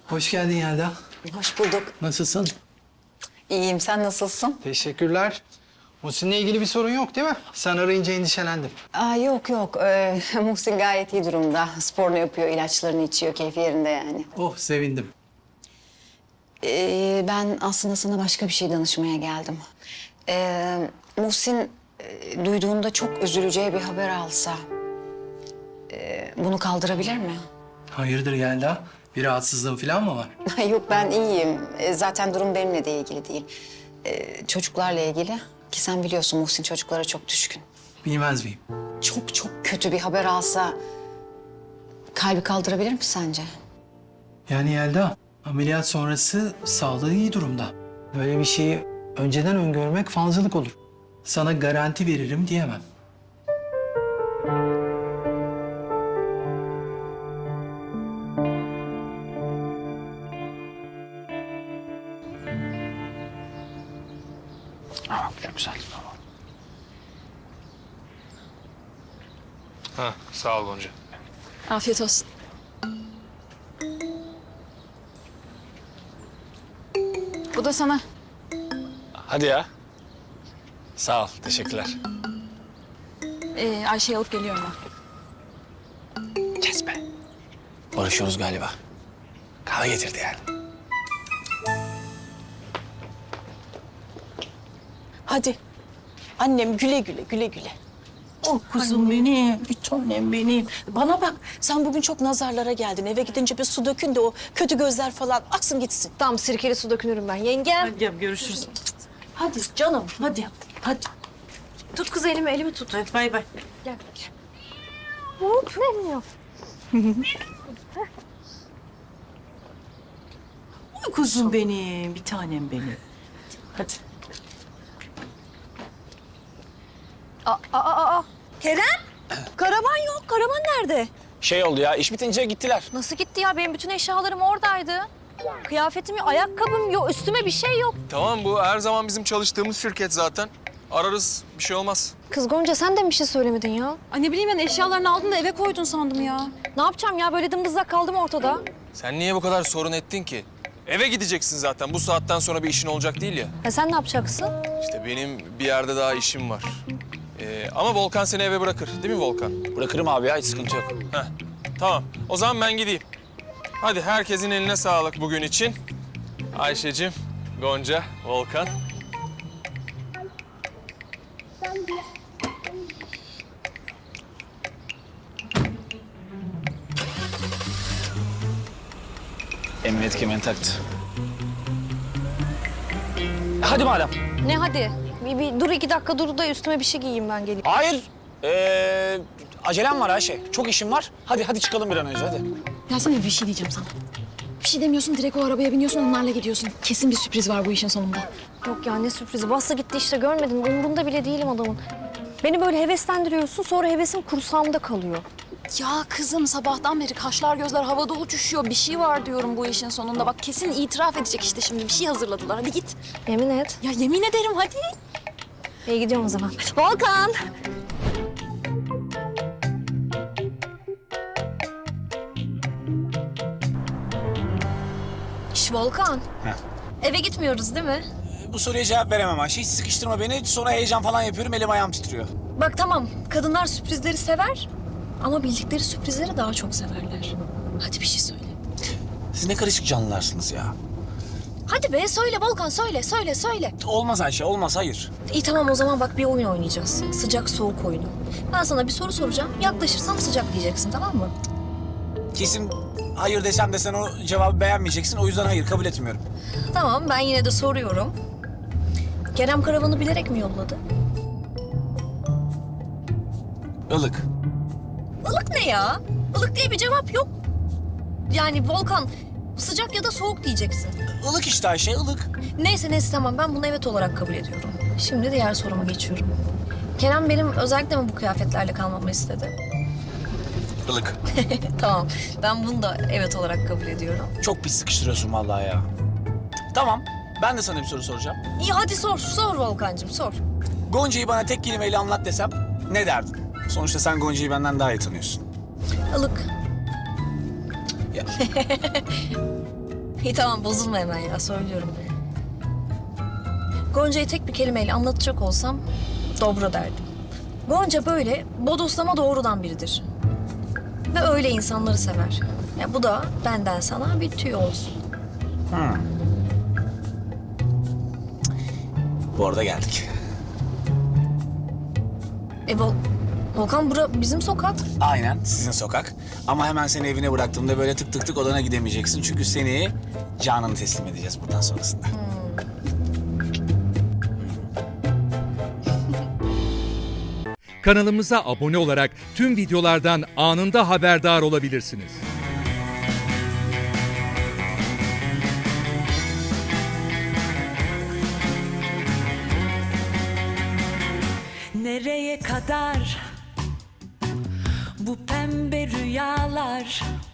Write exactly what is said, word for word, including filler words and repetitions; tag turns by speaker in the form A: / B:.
A: Hoş geldin Yelda.
B: Hoş bulduk.
A: Nasılsın?
B: İyiyim. Sen nasılsın?
A: Teşekkürler. Muhsin'le ilgili bir sorun yok değil mi? Sen arayınca endişelendim.
B: Aa, yok yok. Ee, Muhsin gayet iyi durumda. Sporunu yapıyor, ilaçlarını içiyor. Keyfi yerinde yani.
A: Oh, sevindim.
B: Ee, ben aslında sana başka bir şey danışmaya geldim. Ee, Muhsin e, duyduğunda çok üzüleceği bir haber alsa... e, bunu kaldırabilir mi?
A: Hayırdır Yelda? Bir rahatsızlığın falan mı var?
B: Yok, ben iyiyim. E, zaten durum benimle de ilgili değil. E, çocuklarla ilgili. Ki sen biliyorsun Muhsin çocuklara çok düşkün.
A: Bilmez miyim?
B: Çok çok kötü bir haber alsa kalbi kaldırabilir mi sence?
A: Yani Yelda, ameliyat sonrası sağlığı iyi durumda. Böyle bir şeyi önceden öngörmek fazlalık olur. Sana garanti veririm diyemem.
C: Aa, çok güzel.
D: Ha, sağ ol Gonca.
E: Afiyet olsun. Bu da sana.
C: Hadi ya. Sağ ol, teşekkürler.
E: Ee, Ayşe'yi alıp geliyorum ben.
C: Kes be. Barışıyoruz galiba. Kahve getirdi yani.
F: Hadi. Annem güle güle, güle güle. Oh kuzum benim, bir tanem benim. Bana bak, sen bugün çok nazarlara geldin. Eve gidince bir su dökün de o kötü gözler falan aksın gitsin.
G: Tamam, sirkeli su dökünürüm ben. Yengem.
F: Hadi gel, görüşürüz. Hadi canım, hadi. Hadi.
G: Tut kız elimi, elimi tut.
F: Hadi bay bay.
G: Gel. Gel. Hop, ne yok?
F: Oy kuzum benim, bir tanem benim. Hadi.
G: Aa, aa, aa. Kerem? Karavan yok. Karavan nerede?
C: Şey oldu ya, iş bitince gittiler.
G: Nasıl gitti ya? Benim bütün eşyalarım oradaydı. Kıyafetim yok, ayakkabım yok, üstüme bir şey yok.
D: Tamam, bu her zaman bizim çalıştığımız şirket zaten. Ararız, bir şey olmaz.
G: Kız Gonca, sen de mi bir şey söylemedin ya?
E: Ay ne bileyim ben, eşyalarını aldın da eve koydun sandım ya.
G: Ne yapacağım ya? Böyle dımdızlak kaldım ortada.
D: Sen niye bu kadar sorun ettin ki? Eve gideceksin zaten. Bu saatten sonra bir işin olacak değil ya.
G: Ya sen ne yapacaksın?
D: İşte benim bir yerde daha işim var. Ee, ama Volkan seni eve bırakır. Değil mi Volkan?
C: Bırakırım abi ya, hiç sıkıntı yok.
D: Heh, tamam. O zaman ben gideyim. Hadi herkesin eline sağlık bugün için. Ayşe'cim, Gonca, Volkan.
C: Emniyet kemerini taktı. Hadi madem.
G: Ne hadi? Bir, bir dur iki dakika dur da üstüme bir şey giyeyim, ben geleyim.
C: Hayır. Ee, acelem var Ayşe. Çok işim var. Hadi hadi çıkalım bir an önce hadi.
E: Ya sana bir şey diyeceğim sana. Bir şey demiyorsun, direkt o arabaya biniyorsun, onlarla gidiyorsun. Kesin bir sürpriz var bu işin sonunda.
G: Yok ya, ne sürprizi. Bastı gitti işte, görmedin mi? Umurunda bile değilim adamın. Beni böyle heveslendiriyorsun, sonra hevesim kursağımda kalıyor.
E: Ya kızım, sabahtan beri kaşlar gözler havada uçuşuyor. Bir şey var diyorum bu işin sonunda. Bak kesin itiraf edecek işte şimdi. Bir şey hazırladılar. Hadi git.
G: Yemin et.
E: Ya yemin ederim hadi.
G: İyi, gidiyorum o zaman. Volkan! Şş, Volkan.
C: Heh.
G: Eve gitmiyoruz değil mi?
C: Bu soruya cevap veremem Ayşe. Hiç sıkıştırma beni. Sonra heyecan falan yapıyorum. Elim ayağım titriyor.
G: Bak tamam, kadınlar sürprizleri sever ama bildikleri sürprizleri daha çok severler. Hadi bir şey söyle.
C: Siz ne karışık canlılarsınız ya.
G: Hadi be, söyle Volkan, söyle, söyle, söyle.
C: Olmaz Ayşe, olmaz. Hayır.
G: İyi tamam, o zaman bak bir oyun oynayacağız. Sıcak soğuk oyunu. Ben sana bir soru soracağım. Yaklaşırsam sıcak diyeceksin, tamam mı?
C: Kesin hayır desem de sen o cevabı beğenmeyeceksin. O yüzden hayır, kabul etmiyorum.
G: Tamam, ben yine de soruyorum. Kerem karavanı bilerek mi yolladı?
C: Ilık.
G: Ilık ne ya? Ilık diye bir cevap yok. Yani Volkan, sıcak ya da soğuk diyeceksin.
C: Ilık işte Ayşe, ılık.
G: Neyse neyse tamam, ben bunu evet olarak kabul ediyorum. Şimdi diğer soruma geçiyorum. Kerem benim özellikle mi bu kıyafetlerle kalmamı istedi?
C: Ilık.
G: Tamam, ben bunu da evet olarak kabul ediyorum.
C: Çok pis sıkıştırıyorsun vallahi ya. Tamam, ben de sana bir soru soracağım.
G: İyi hadi sor, sor Volkancığım sor.
C: Gonca'yı bana tek kelimeyle anlat desem ne derdin? Sonuçta sen Gonca'yı benden daha iyi tanıyorsun.
G: Ilık.
C: Ya.
G: İyi tamam bozulma hemen ya söylüyorum. Gonca'yı tek bir kelimeyle anlatacak olsam dobra derdim. Gonca böyle bodoslama doğrudan biridir. Ve öyle insanları sever. Ya bu da benden sana bir tüy olsun.
C: Bu arada geldik.
G: E Vol Volkan bura bizim sokak.
C: Aynen sizin sokak. Ama hemen seni evine bıraktığımda böyle tık tık tık odana gidemeyeceksin. Çünkü seni Canan'a teslim edeceğiz buradan sonrasında.
H: Kanalımıza abone olarak tüm videolardan anında haberdar olabilirsiniz.
I: Nereye kadar bu pembe rüyalar?